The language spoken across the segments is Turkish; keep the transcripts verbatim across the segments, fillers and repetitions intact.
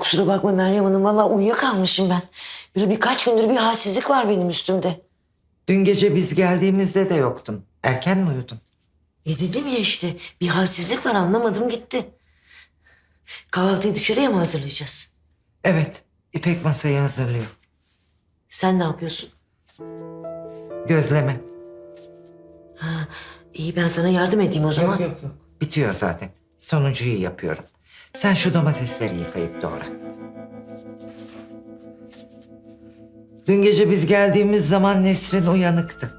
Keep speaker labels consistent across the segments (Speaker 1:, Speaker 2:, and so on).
Speaker 1: kusura bakma Meryem Hanım. Vallahi uyuyakalmışım ben. Böyle birkaç gündür bir halsizlik var benim üstümde.
Speaker 2: Dün gece biz geldiğimizde de yoktun. Erken mi uyudun?
Speaker 1: E dedim ya işte bir halsizlik var, anlamadım gitti. Kahvaltıyı dışarıya mı hazırlayacağız?
Speaker 2: Evet, İpek masayı hazırlıyor.
Speaker 1: Sen ne yapıyorsun?
Speaker 2: Gözleme.
Speaker 1: Ha, iyi, ben sana yardım edeyim o zaman.
Speaker 2: Yok yok yok. Bitiyor zaten. Sonuncuyu yapıyorum. Sen şu domatesleri yıkayıp doğra. Dün gece biz geldiğimiz zaman Nesrin uyanıktı.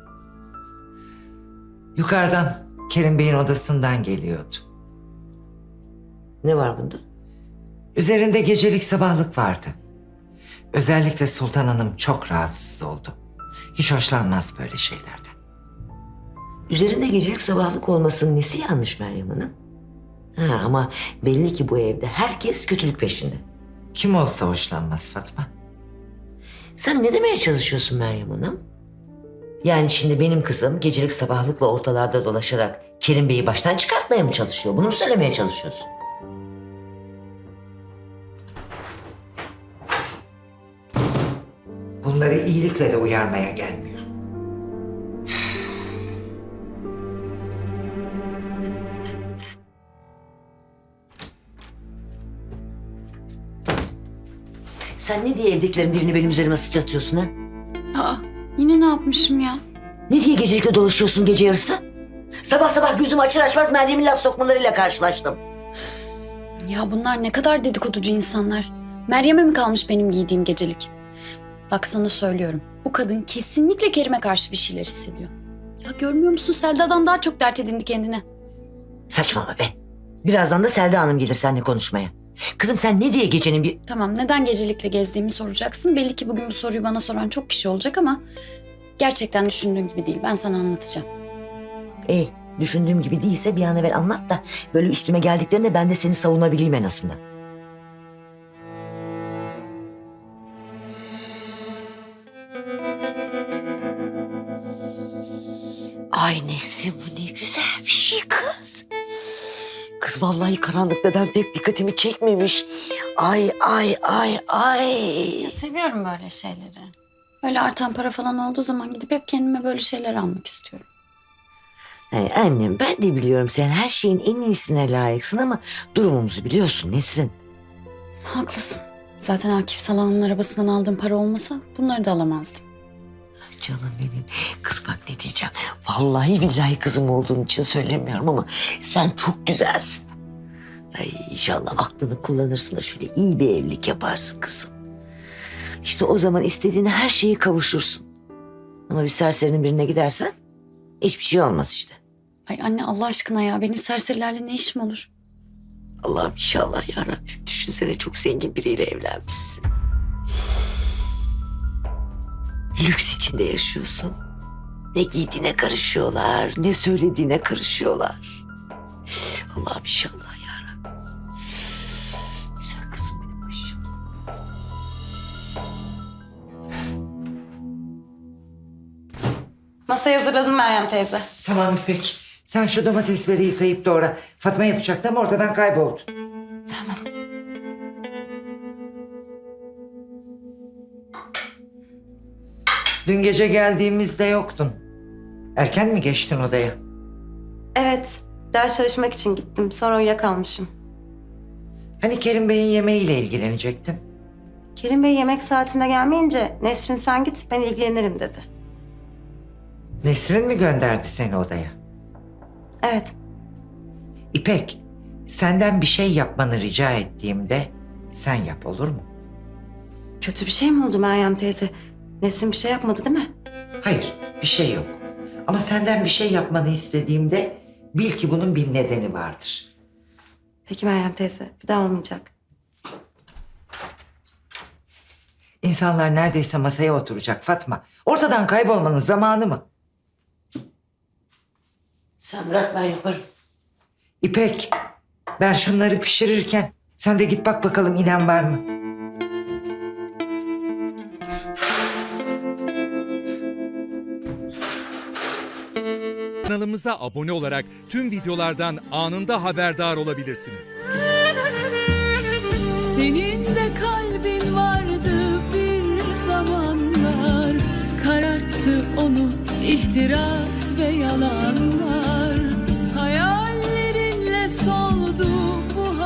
Speaker 2: Yukarıdan Kerim Bey'in odasından geliyordu.
Speaker 1: Ne var bunda?
Speaker 2: Üzerinde gecelik sabahlık vardı. Özellikle Sultan Hanım çok rahatsız oldu. Hiç hoşlanmaz böyle şeylerden.
Speaker 1: Üzerinde gecelik sabahlık olmasının nesi yanlış Meryem Hanım? Ha, ama belli ki bu evde herkes kötülük peşinde.
Speaker 2: Kim olsa hoşlanmaz Fatma.
Speaker 1: Sen ne demeye çalışıyorsun Meryem Hanım? Yani şimdi benim kızım gecelik sabahlıkla ortalarda dolaşarak Kerim Bey'i baştan çıkartmaya mı çalışıyor? Bunu mu söylemeye çalışıyorsun?
Speaker 2: Bunları iyilikle de uyarmaya gelmiyor.
Speaker 1: Sen ne diye evdekilerin dilini benim üzerime sıçratıyorsun ha?
Speaker 3: Aa, yine ne yapmışım ya?
Speaker 1: Ne diye gecelikle dolaşıyorsun gece yarısı? Sabah sabah gözümü açar açmaz Meryem'in laf sokmalarıyla karşılaştım.
Speaker 3: Ya bunlar ne kadar dedikoducu insanlar. Meryem'e mi kalmış benim giydiğim gecelik? Bak sana söylüyorum. Bu kadın kesinlikle Kerim'e karşı bir şeyler hissediyor. Ya görmüyor musun, Selda'dan daha çok dert edindi kendine.
Speaker 1: Saçmalama be. Birazdan da Selda Hanım gelir seninle konuşmaya. Kızım sen ne diye gecenin bir...
Speaker 3: Tamam, neden gecelikle gezdiğimi soracaksın. Belli ki bugün bu soruyu bana soran çok kişi olacak ama... gerçekten düşündüğün gibi değil. Ben sana anlatacağım.
Speaker 1: İyi, düşündüğüm gibi değilse bir an evvel anlat da... böyle üstüme geldiklerinde ben de seni savunabileyim en azından. Ay Nesrin, bu ne güzel bir şey kız. Kız vallahi karanlıkta ben pek dikkatimi çekmemiş. Ay ay ay ay.
Speaker 3: Ya seviyorum böyle şeyleri. Öyle artan para falan olduğu zaman gidip hep kendime böyle şeyler almak istiyorum.
Speaker 1: Ay annem, ben de biliyorum sen her şeyin en iyisine layıksın ama durumumuzu biliyorsun Nesrin.
Speaker 3: Haklısın. Zaten Akif Salan'ın arabasından aldığım para olmasa bunları da alamazdım.
Speaker 1: Canım benim. Kız bak ne diyeceğim. Vallahi billahi kızım olduğun için söylemiyorum ama sen çok güzelsin. Ay inşallah aklını kullanırsın da şöyle iyi bir evlilik yaparsın kızım. İşte o zaman istediğin her şeyi kavuşursun. Ama bir serserinin birine gidersen hiçbir şey olmaz işte.
Speaker 3: Ay anne, Allah aşkına ya, benim serserilerle ne işim olur?
Speaker 1: Allah'ım inşallah ya Rabbim. Düşünsene çok zengin biriyle evlenmişsin. Lüks içinde yaşıyorsun. Ne giydiğine karışıyorlar, ne söylediğine karışıyorlar. Allah'ım inşallah ya Rabbim. Güzel kızım benim maşallah.
Speaker 4: Masayı hazırladım Meryem teyze.
Speaker 2: Tamam İpek. Sen şu domatesleri yıkayıp doğra. Fatma yapacaktı ama ortadan kayboldu.
Speaker 4: Tamam.
Speaker 2: Dün gece geldiğimizde yoktun. Erken mi geçtin odaya?
Speaker 4: Evet, ders çalışmak için gittim. Sonra uyuyakalmışım.
Speaker 2: Hani Kerim Bey'in yemeğiyle ilgilenecektin?
Speaker 4: Kerim Bey yemek saatinde gelmeyince Nesrin sen git ben ilgilenirim dedi.
Speaker 2: Nesrin mi gönderdi seni odaya?
Speaker 4: Evet,
Speaker 2: İpek, senden bir şey yapmanı rica ettiğimde sen yap, olur mu?
Speaker 4: kötü bir şey mi oldu Meryem teyze? Nesrin bir şey yapmadı değil mi?
Speaker 2: Hayır, bir şey yok. Ama senden bir şey yapmanı istediğimde bil ki bunun bir nedeni vardır.
Speaker 4: Peki Meryem teyze, bir daha olmayacak.
Speaker 2: İnsanlar neredeyse masaya oturacak Fatma. Ortadan kaybolmanın zamanı mı?
Speaker 1: Sen bırak, ben yaparım.
Speaker 2: İpek, ben şunları pişirirken sen de git bak bakalım inen var mı?
Speaker 5: Kanalımıza abone olarak tüm videolardan anında haberdar olabilirsiniz.
Speaker 6: Senin de kalbin vardı bir zamanlar, kararttı onu ihtiras ve yalan.